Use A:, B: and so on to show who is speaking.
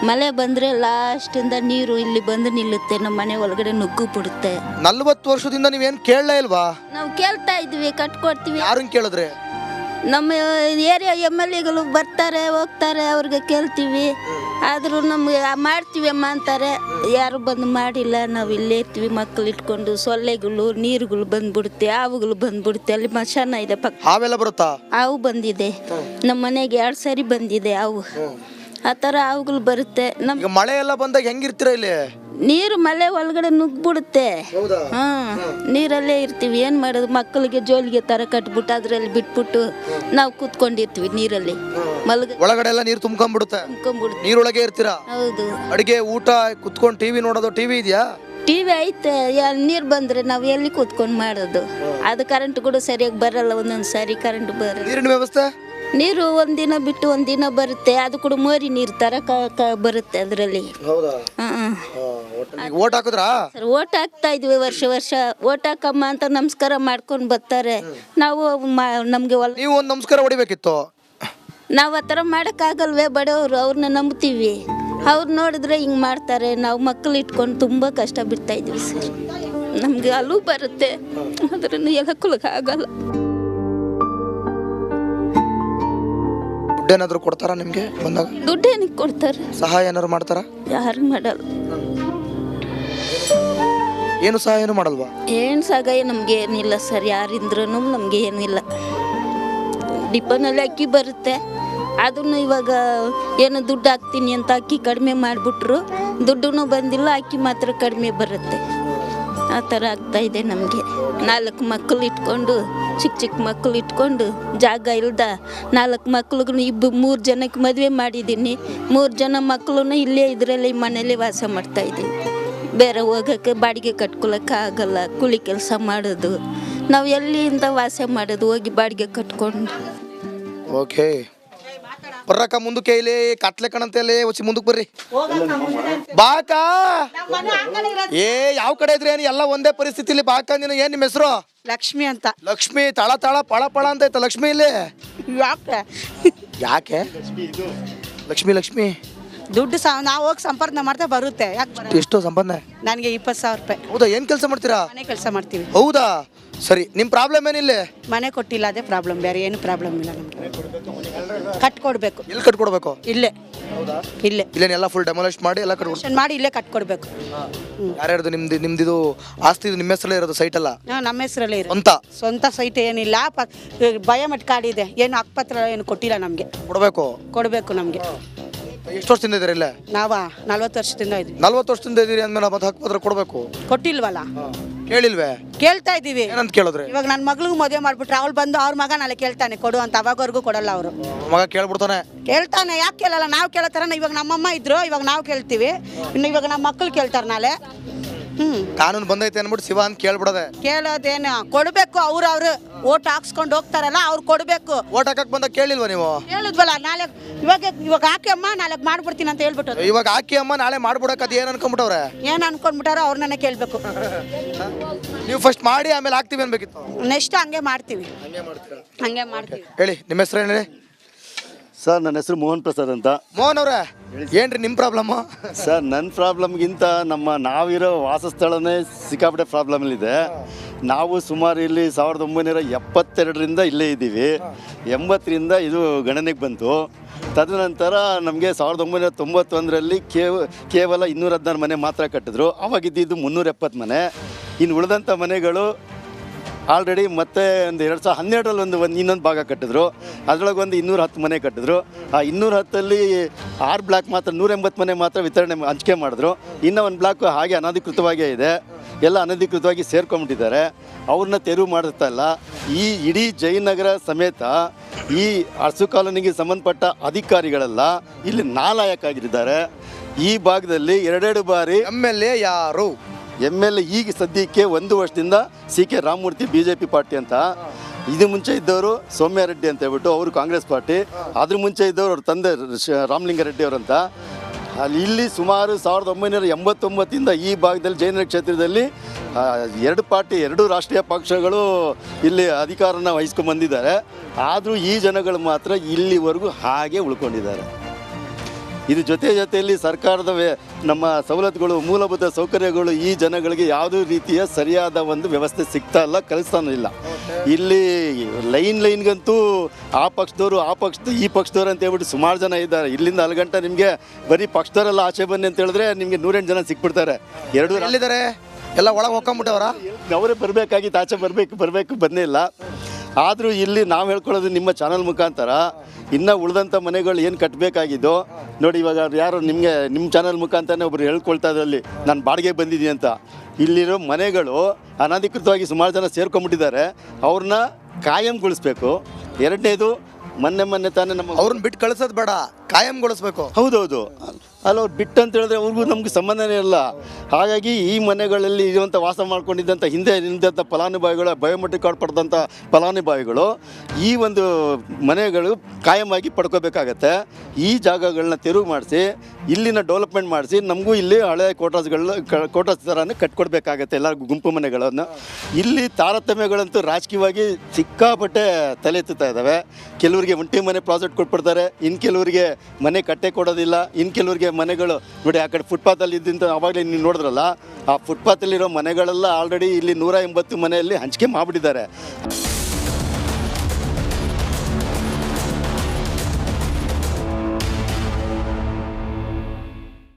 A: ಮಳೆ ಬಂದರೆ ಲಾಸ್ಟಿಂದ ನೀರು ಇಲ್ಲಿ ಬಂದು ನಿಲ್ಲುತ್ತೆ, ನಮ್ಮ ಮನೆ ಒಳಗಡೆ ನುಗ್ಗು ಬಿಡುತ್ತೆ.
B: 40 ವರ್ಷದಿಂದ ನೀವೇನು ಕೇಳಲೇ ಇಲ್ವಾ?
A: ನಾವು ಕೇಳ್ತಾ ಇದ್ವಿ, ಕಟ್ಕೊಡ್ತೀವಿ.
B: ಯಾರನ್ನ ಕೇಳಿದ್ರೆ?
A: ನಮ್ಮ ಏರಿಯಾ MLAಗಳು ಬರ್ತಾರೆ ಹೋಗ್ತಾರೆ, ಅವ್ರಿಗೆ ಕೇಳ್ತೀವಿ. ಆದರೂ ನಮಗೆ ಮಾಡ್ತೀವಿ ಅಮ್ಮ ಅಂತಾರೆ, ಯಾರು ಬಂದು ಮಾಡಿಲ್ಲ. ನಾವು ಇಲ್ಲೇ ಇರ್ತೀವಿ, ಮಕ್ಕಳು ಇಟ್ಕೊಂಡು. ಸೊಳ್ಳೆಗಳು, ನೀರುಗಳು ಬಂದ್ಬಿಡುತ್ತೆ, ಹಾವುಗಳು ಬಂದ್ಬಿಡುತ್ತೆ. ಅಲ್ಲಿ ಮಶಾನ ಇದೆ ಪಕ್ಕ,
B: ಹಾವೆಲ್ಲ ಬರುತ್ತಾ?
A: ಹಾವು ಬಂದಿದೆ ನಮ್ಮ ಮನೆಗೆ, 2 ಸರಿ ಬಂದಿದೆ ಹಾವು. ಆ ಥರ ಹಾವುಗಳು ಬರುತ್ತೆ.
B: ಈಗ ಮಳೆ ಎಲ್ಲ ಬಂದಾಗ ಹೆಂಗಿರ್ತೀರಾ ಇಲ್ಲಿ?
A: ನೀರು ಮಳೆ ಒಳಗಡೆ ನುಗ್ಬಿಡುತ್ತೆ. ನೀರಲ್ಲೇ ಇರ್ತೀವಿ, ಏನು ಮಾಡೋದು? ಮಕ್ಕಳಿಗೆ ಜೋಲಿಗೆ ತರ ಕಟ್ಬಿಟ್ಟು ಅದರಲ್ಲಿ ಬಿಟ್ಬಿಟ್ಟು ನಾವು ಕೂತ್ಕೊಂಡಿರ್ತೀವಿ ನೀರಲ್ಲಿ.
B: ಒಳಗಡೆ ಎಲ್ಲ ನೀರು ತುಂಬ್ಕೊಂಡ್ಬಿಡುತ್ತೆ, ನೀರೊಳಗೆ ಇರ್ತೀರಾ?
A: ಹೌದು.
B: ಅಡಿಗೆ ಊಟ ಕುತ್ಕೊಂಡು ಟಿವಿ ನೋಡೋದು? ಟಿವಿ ಇದೆಯಾ?
A: ಟಿವಿ ಐತೆ, ನೀರು ಬಂದ್ರೆ ನಾವು ಎಲ್ಲಿ ಕೂತ್ಕೊಂಡು ಮಾಡೋದು? ಅದು ಕರೆಂಟ್ ಕೂಡ ಸರಿಯಾಗಿ ಬರಲ್ಲ, ಒಂದೊಂದು ಸಾರಿ ಕರೆಂಟ್ ಬರಲ್ಲ.
B: ನೀರಿನ ವ್ಯವಸ್ಥೆ?
A: ನೀರು ಒಂದಿನ ಬಿಟ್ಟು ಒಂದಿನ ಬರುತ್ತೆ, ಅದು ಕೂಡ ಮೋರಿ ನೀರು ತರ ಬರುತ್ತೆ ಅದರಲ್ಲಿ.
B: ಓಟ್ ಹಾಕಿದ್ರಾ?
A: ಓಟ್ ಹಾಕ್ತಾ ಇದ್ವಿ, ವರ್ಷ ಓಟ್ ಹಾಕಮ್ಮ ಅಂತ ನಮಸ್ಕಾರ ಮಾಡ್ಕೊಂಡು ಬರ್ತಾರೆ. ನಾವು ನಮ್ಗೆ
B: ನೀವು ಒಂದು ನಮಸ್ಕಾರ ಹೊಡಿಬೇಕಿತ್ತು.
A: ನಾವು ಆ ಥರ ಮಾಡೋಕ್ಕಾಗಲ್ವೇ? ಬಡವರು, ಅವ್ರನ್ನ ನಂಬ್ತೀವಿ. ಅವ್ರು ನೋಡಿದ್ರೆ ಹಿಂಗೆ ಮಾಡ್ತಾರೆ. ನಾವು ಮಕ್ಕಳು ಇಟ್ಕೊಂಡು ತುಂಬ ಕಷ್ಟ ಬಿಡ್ತಾ ಇದ್ವಿ ಸರ್. ನಮಗೆ ಅಲ್ಲೂ ಬರುತ್ತೆ, ಅದನ್ನು ಆಗಲ್ಲ.
B: ದುಡ್ಡೇನಾದ್ರು ಕೊಡ್ತಾರಾ ನಿಮ್ಗೆ ಬಂದಾಗ?
A: ದುಡ್ಡು ಏನಕ್ಕೆ ಕೊಡ್ತಾರೆ?
B: ಸಹಾಯ ಏನಾದ್ರು ಮಾಡ್ತಾರಾ?
A: ಯಾರು ಮಾಡಲ್ಲ.
B: ಏನು ಸಹಾಯನೂ ಮಾಡಲ್ವಾ?
A: ಏನು ಸಹಾಯ ನಮ್ಗೆ ಏನಿಲ್ಲ ಸರ್, ಯಾರಿಂದ್ರೂ ನಮ್ಗೆ ಏನಿಲ್ಲ. ಡಿಪೋನಲ್ಲಿ ಅಕ್ಕಿ ಬರುತ್ತೆ, ಅದನ್ನು ಇವಾಗ ಏನು ದುಡ್ಡು ಹಾಕ್ತೀನಿ ಅಂತ ಅಕ್ಕಿ ಕಡಿಮೆ ಮಾಡಿಬಿಟ್ರು, ದುಡ್ಡು ಬಂದಿಲ್ಲ, ಅಕ್ಕಿ ಮಾತ್ರ ಕಡಿಮೆ ಬರುತ್ತೆ. ಆ ಥರ ಆಗ್ತಾ ಇದೆ ನಮಗೆ. 4 ಮಕ್ಕಳು ಇಟ್ಕೊಂಡು, ಚಿಕ್ಕ ಮಕ್ಕಳು ಇಟ್ಕೊಂಡು, ಜಾಗ ಇಲ್ದ 4 ಮಕ್ಳಿಗೂ 3 ಜನಕ್ಕೆ ಮದುವೆ ಮಾಡಿದ್ದೀನಿ. 3 ಜನ ಮಕ್ಕಳನ್ನ ಇಲ್ಲೇ ಇದರಲ್ಲಿ ಮನೇಲಿ ವಾಸ ಮಾಡ್ತಾ ಇದ್ದೀವಿ. ಬೇರೆ ಹೋಗೋಕ್ಕೆ ಬಾಡಿಗೆ ಕಟ್ಕೊಳಕ್ಕೆ ಆಗಲ್ಲ, ಕೂಲಿ ಕೆಲಸ ಮಾಡೋದು. ನಾವು ಎಲ್ಲಿಂದ ವಾಸ ಮಾಡೋದು? ಹೋಗಿ ಬಾಡಿಗೆ ಕಟ್ಕೊಂಡು.
B: ಓಕೆ, ಬರ್ರಕ್ಕ ಮುಂದಕ್ಕೆ, ಇಲ್ಲಿ ಕತ್ಲೆ ಕಣಂತಲ್ಲಿ ಒಸಿ ಮುಂದಕ್ಕೆ ಬರ್ರಿ. ಬಾಕ ಏ ಯಾವ ಕಡೆ ಇದ್ರಿ? ಏನು ಎಲ್ಲ ಒಂದೇ ಪರಿಸ್ಥಿತಿಲಿ ಬಾಕ. ನೀನು ಏನ್ ನಿಮ್ಮ ಹೆಸರು?
C: ಲಕ್ಷ್ಮಿ ಅಂತ.
B: ಲಕ್ಷ್ಮಿ ತಳ ತಳ ಪಳ ಪಳ ಅಂತ ಐತ ಲಕ್ಷ್ಮಿ ಇಲ್ಲಿ. ಯಾಕೆ ಲಕ್ಷ್ಮಿ?
C: ದುಡ್ಡು ನಾವು ಹೋಗಿ ಸಂಪಾದನೆ ಮಾಡ್ತಾ ಬರುತ್ತೆ. ಯಾಕೆ?
B: ಎಷ್ಟು ಸಂಪಾದನೆ?
C: ನನಗೆ 20,000 ರೂಪಾಯಿ.
B: ಹೌದಾ? ಏನ್ ಕೆಲಸ ಮಾಡ್ತೀರಾ?
C: ಮನೆ ಕೆಲಸ ಮಾಡ್ತೀವಿ.
B: ಹೌದಾ? ಸರಿ, ನಿಮ್ ಪ್ರಾಬ್ಲಮ್ ಏನಿಲ್ಲ?
C: ಮನೆ ಕೊಟ್ಟಿಲ್ಲ, ಅದೇ ಪ್ರಾಬ್ಲಮ್, ಬೇರೆ ಏನು ಪ್ರಾಬ್ಲಮ್ ಇಲ್ಲ ನಮಗೆ. ಕಟ್ಕೊಡ್ಬೇಕು.
B: ಎಲ್ಲಿ ಕಟ್ಕೊಡ್ಬೇಕು?
C: ಇಲ್ಲೇ
B: ಇಲ್ಲೇನೆಲ್ಲ ಫುಲ್ ಡೆಮೊಲಿಷ್ ಮಾಡಿ ಎಲ್ಲ ಕಟ್ಕೊಡ್ಬೇಕು.
C: ಮಾಡಿ ಇಲ್ಲೇ ಕಟ್ಕೊಡ್ಬೇಕು.
B: ಯಾರ್ಯಾರ್ದು? ನಿಮ್ದಿದು ಆಸ್ತಿ ನಿಮ್ಮ ಹೆಸರಲ್ಲೇ ಇರೋದು? ಸೈಟ್ ಅಲ್ಲ
C: ನಮ್ಮ ಹೆಸರಲ್ಲೇ ಇರೋ
B: ಸ್ವಂತ
C: ಸೈಟ್ ಏನಿಲ್ಲ. ಬಯೋಮೆಟ್ರಿಕ್ ಕಾರ್ಡ್ ಇದೆ, ಏನು ಹಕ್ಕುಪತ್ರ ಏನು ಕೊಟ್ಟಿಲ್ಲ ನಮಗೆ. ಕೊಡಬೇಕು ನಮಗೆ.
B: ಎಷ್ಟು ವರ್ಷದಿಂದ ಇದ್ದೀರಿ ಇಲ್ಲ?
C: ನಾವಾ 40 ವರ್ಷದಿಂದ ಇದ್ವಿ.
B: 40 ವರ್ಷದಿಂದ ಇದ್ದೀರಿ ಅಂದ್ಮೇಲೆ ಮತ್ತೆ ಹಕ್ಕುಪತ್ರ ಕೊಡಬೇಕು.
C: ಕೊಟ್ಟಿಲ್ವಲ್ಲ?
B: ಕೇಳಿಲ್ವೇ?
C: ಕೇಳ್ತಾ ಇದೀವಿ.
B: ಏನಂತ ಕೇಳಿದ್ರೆ?
C: ಇವಾಗ ನನ್ನ ಮಗಳಿಗೂ ಮದುವೆ ಮಾಡ್ಬಿಟ್ರೆ ಅವ್ಳು ಬಂದು ಅವ್ರ ಮಗ ನಾಳೆ ಕೇಳ್ತಾನೆ ಕೊಡು ಅಂತ. ಅವಾಗವರೆಗೂ ಕೊಡಲ್ಲ ಅವರು.
B: ಮಗ ಕೇಳ್ಬಿಡ್ತಾನೆ. ಯಾಕೆ
C: ಕೇಳಲ್ಲ? ನಾವು ಕೇಳತ್ತಾರ. ಇವಾಗ ನಮ್ಮಮ್ಮ ಇದ್ರು, ಇವಾಗ ನಾವು ಕೇಳ್ತೀವಿ. ಇನ್ನು ಇವಾಗ ನಮ್ಮ ಮಕ್ಕಳು ಕೇಳ್ತಾರೆ ನಾಳೆ.
B: ಕಾನೂನು ಬಂದೈತೆ ಅನ್ಬಿಟ್ಟು ಶಿವ ಅಂತ ಕೇಳ್ಬಿಡದೆ.
C: ಕೇಳೋದೇನು? ಕೊಡ್ಬೇಕು. ಅವ್ರು ಓಟ್ ಹಾಕ್ಸ್ಕೊಂಡು ಹೋಗ್ತಾರಲ್ಲ, ಅವ್ರು ಕೊಡ್ಬೇಕು.
B: ಓಟ್ ಹಾಕಕ್ ಬಂದಾಗ ಕೇಳಿಲ್ವಾ ನೀವು?
C: ಹೇಳಿದ್ವಲ್ಲ, ನಾಳೆ ಇವಾಗ ಹಾಕಿ ಅಮ್ಮ ನಾಳೆ ಮಾಡ್ಬಿಡ್ತೀನಿ ಅಂತ ಹೇಳ್ಬಿಟ್ಟು.
B: ಇವಾಗ ಹಾಕಿ ಅಮ್ಮ ನಾಳೆ ಮಾಡ್ಬಿಡಕ್ ಅದು ಏನ್ ಅನ್ಕೊಂಡ್ಬಿಟ್ಟವ್ರೆ?
C: ಏನ್ ಅನ್ಕೊಂಡ್ಬಿಟ್ಟಾರೋ ಅವ್ರನ್ನೇ ಕೇಳ್ಬೇಕು.
B: ನೀವು ಫಸ್ಟ್ ಮಾಡಿ ಆಮೇಲೆ ಹಾಕ್ತೀವಿ ಅನ್ಬೇಕಿತ್ತು.
C: ನೆಕ್ಸ್ಟ್ ಹಂಗೆ ಮಾಡ್ತೀವಿ.
B: ಹೇಳಿ, ನಿಮ್ಮ ಹೆಸರು ಹೇಳಿ.
D: ಸರ್, ನನ್ನ ಹೆಸರು ಮೋಹನ್ ಪ್ರಸಾದ್ ಅಂತ.
B: ಮೋಹನ್ ಅವ್ರೆ, ಏನ್ರಿ ನಿಮ್ಮ ಪ್ರಾಬ್ಲಮ್?
D: ಸರ್, ನನ್ನ ಪ್ರಾಬ್ಲಮ್ಗಿಂತ ನಾವಿರೋ ವಾಸಸ್ಥಳನೇ ಸಿಕ್ಕಾಪಟ್ಟೆ ಪ್ರಾಬ್ಲಮಲ್ಲಿದೆ. ನಾವು ಸುಮಾರು ಇಲ್ಲಿ 1972ರಿಂದ ಇಲ್ಲೇ ಇದ್ದೀವಿ. 80ರಿಂದ ಇದು ಗಣನೆಗೆ ಬಂತು. ತದನಂತರ ನಮಗೆ 1991ರಲ್ಲಿ ಕೇವಲ 216 ಮನೆ ಮಾತ್ರ ಕಟ್ಟಿದ್ರು. ಅವಾಗಿದ್ದು 370 ಮನೆ. ಇನ್ನು ಉಳಿದಂಥ ಮನೆಗಳು ಆಲ್ರೆಡಿ ಮತ್ತೆ ಒಂದು 2012ರಲ್ಲಿ ಇನ್ನೊಂದು ಭಾಗ ಕಟ್ಟಿದ್ರು. ಅದರೊಳಗೆ ಒಂದು 210 ಮನೆ ಕಟ್ಟಿದ್ರು. ಆ 210ಅಲ್ಲಿ 6 ಬ್ಲಾಕ್ ಮಾತ್ರ 180 ಮನೆ ಮಾತ್ರ ವಿತರಣೆ ಹಂಚಿಕೆ ಮಾಡಿದ್ರು. ಇನ್ನೂ ಒಂದು ಬ್ಲಾಕ್ ಹಾಗೆ ಅನಧಿಕೃತವಾಗೇ ಇದೆ. ಎಲ್ಲ ಅನಧಿಕೃತವಾಗಿ ಸೇರ್ಕೊಂಡ್ಬಿಟ್ಟಿದ್ದಾರೆ. ಅವ್ರನ್ನ ತೆರವು ಮಾಡ್ತಾ ಇಲ್ಲ. ಈ ಇಡೀ ಜಯನಗರ ಸಮೇತ ಈ ಅರಸು ಕಾಲೋನಿಗೆ ಸಂಬಂಧಪಟ್ಟ ಅಧಿಕಾರಿಗಳೆಲ್ಲ ಇಲ್ಲಿ ನಾಲಾಯಕ್ಕಾಗಿದ್ದಾರೆ. ಈ ಭಾಗದಲ್ಲಿ 2 ಬಾರಿ
B: MLA ಯಾರು?
D: MLA ಈಗ ಸದ್ಯಕ್ಕೆ 1 ವರ್ಷದಿಂದ CK ರಾಮಮೂರ್ತಿ BJP ಪಾರ್ಟಿ ಅಂತ. ಇದು ಮುಂಚೆ ಇದ್ದವರು ಸೌಮ್ಯ ರೆಡ್ಡಿ ಅಂತ ಹೇಳ್ಬಿಟ್ಟು, ಅವರು ಕಾಂಗ್ರೆಸ್ ಪಾರ್ಟಿ. ಅದ್ರ ಮುಂಚೆ ಇದ್ದವರು ಅವ್ರ ತಂದೆ ರಾಮಲಿಂಗಾರೆಡ್ಡಿ ಅವರಂತ. ಅಲ್ಲಿ ಇಲ್ಲಿ ಸುಮಾರು 1989ರಿಂದ ಈ ಭಾಗದಲ್ಲಿ ಜಯನಗರ ಕ್ಷೇತ್ರದಲ್ಲಿ 2 ಪಾರ್ಟಿ, 2 ರಾಷ್ಟ್ರೀಯ ಪಕ್ಷಗಳು ಇಲ್ಲಿ ಅಧಿಕಾರನ ವಹಿಸ್ಕೊಂಡು ಬಂದಿದ್ದಾರೆ. ಆದರೂ ಈ ಜನಗಳು ಮಾತ್ರ ಇಲ್ಲಿವರೆಗೂ ಹಾಗೆ ಉಳ್ಕೊಂಡಿದ್ದಾರೆ. ಇದು ಜೊತೆಯಲ್ಲಿ ಸರ್ಕಾರದ ನಮ್ಮ ಸವಲತ್ತುಗಳು ಮೂಲಭೂತ ಸೌಕರ್ಯಗಳು ಈ ಜನಗಳಿಗೆ ಯಾವುದೇ ರೀತಿಯ ಸರಿಯಾದ ಒಂದು ವ್ಯವಸ್ಥೆ ಸಿಗ್ತಾ ಇಲ್ಲ, ಕಲಿಸ್ತಾನೂ ಇಲ್ಲ. ಇಲ್ಲಿ ಲೈನ್ಗಂತೂ ಆ ಪಕ್ಷದವರು ಈ ಪಕ್ಷದವ್ರು ಅಂತ ಹೇಳ್ಬಿಟ್ಟು ಸುಮಾರು ಜನ ಇದ್ದಾರೆ. ಇಲ್ಲಿಂದ 4 ಗಂಟೆ ನಿಮಗೆ ಬರೀ ಪಕ್ಷದವರೆಲ್ಲ ಆಚೆ ಬನ್ನಿ ಅಂತ ಹೇಳಿದ್ರೆ ನಿಮಗೆ 108 ಜನ ಸಿಕ್ಬಿಡ್ತಾರೆ.
B: ಎಲ್ಲಿದ್ದಾರೆ? ಎಲ್ಲ ಒಳಗೆ ಹೋಗ್ಕೊಂಬಿಟ್ಟವರ?
D: ಅವರೇ ಬರಬೇಕಾಗಿತ್ತು, ಆಚೆ ಬರಬೇಕು ಬಂದೇ ಇಲ್ಲ. ಆದರೂ ಇಲ್ಲಿ ನಾವು ಹೇಳ್ಕೊಳ್ಳೋದು ನಿಮ್ಮ ಚಾನಲ್ ಮುಖಾಂತರ ಇನ್ನು ಉಳಿದಂಥ ಮನೆಗಳು ಏನು ಕಟ್ಟಬೇಕಾಗಿದ್ದೋ ನೋಡಿ. ಇವಾಗ ಯಾರು ನಿಮ್ಮ ಚಾನಲ್ ಮುಖಾಂತರನೇ ಒಬ್ರು ಹೇಳ್ಕೊಳ್ತಾ ಇದ್ರಲ್ಲಿ ನಾನು ಬಾಡಿಗೆ ಬಂದಿದ್ದೀನಿ ಅಂತ. ಇಲ್ಲಿರೋ ಮನೆಗಳು ಅನಧಿಕೃತವಾಗಿ ಸುಮಾರು ಜನ ಸೇರ್ಕೊಂಡ್ಬಿಟ್ಟಿದ್ದಾರೆ, ಅವ್ರನ್ನ ಕಾಯಂಗೊಳಿಸ್ಬೇಕು. ಎರಡನೇದು ಮೊನ್ನೆ ತಾನೇ ನಮ್ಮ
B: ಅವ್ರನ್ನ ಬಿಟ್ಟು ಕಳ್ಸೋದು ಬೇಡ, ಕಾಯಂಗೊಳಿಸ್ಬೇಕು.
D: ಹೌದೌದು, ಅಲ್ಲ ಅವ್ರು ಬಿಟ್ಟು ಅಂತ ಹೇಳಿದ್ರೆ ಅವ್ರಿಗೂ ನಮ್ಗೆ ಸಂಬಂಧನೇ ಇಲ್ಲ. ಹಾಗಾಗಿ ಈ ಮನೆಗಳಲ್ಲಿ ಇರುವಂಥ ವಾಸ ಮಾಡ್ಕೊಂಡಿದ್ದಂಥ ಹಿಂದೆ ನಿಂತ ಫಲಾನುಭವಿಗಳು, ಬಯೋಮೆಟ್ರಿಕ್ ಕಾರ್ಡ್ ಪಡೆದಂಥ ಫಲಾನುಭವಿಗಳು ಈ ಒಂದು ಮನೆಗಳು ಕಾಯಮಾಗಿ ಪಡ್ಕೋಬೇಕಾಗತ್ತೆ. ಈ ಜಾಗಗಳನ್ನ ತೆರವು ಮಾಡಿಸಿ ಇಲ್ಲಿನ ಡೆವಲಪ್ಮೆಂಟ್ ಮಾಡಿಸಿ ನಮಗೂ ಇಲ್ಲಿ ಹಳೆ ಕ್ವಾರ್ಟರ್ಸ್ ಥರನೇ ಕಟ್ಕೊಡ್ಬೇಕಾಗತ್ತೆ ಎಲ್ಲ ಗುಂಪು ಮನೆಗಳನ್ನು. ಇಲ್ಲಿ ತಾರತಮ್ಯಗಳಂತೂ ರಾಜಕೀಯವಾಗಿ ಸಿಕ್ಕಾಪಟ್ಟೆ ತಲೆ ಎತ್ತುತ್ತಾ ಇದ್ದಾವೆ. ಕೆಲವರಿಗೆ ಒಂಟಿ ಮನೆ ಪ್ರಾಜೆಕ್ಟ್ ಕೊಟ್ಬಿಡ್ತಾರೆ, ಇನ್ನು ಕೆಲವರಿಗೆ ಮನೆ ಕಟ್ಟೆ ಕೊಡೋದಿಲ್ಲ, ಇನ್ನು ಕೆಲವರಿಗೆ ಮನೆಗಳು ನೋಡಿ ಆ ಕಡೆ ಫುಟ್ಪಾತಲ್ಲಿ ಇದ್ದಂಥ ಅವಾಗಲೇ ನೀವು ನೋಡಿದ್ರಲ್ಲ, ಆ ಫುಟ್ಪಾತಲ್ಲಿರೋ ಮನೆಗಳೆಲ್ಲ ಆಲ್ರೆಡಿ ಇಲ್ಲಿ 180 ಮನೆಯಲ್ಲಿ ಹಂಚಿಕೆ ಮಾಡಿಬಿಟ್ಟಿದ್ದಾರೆ.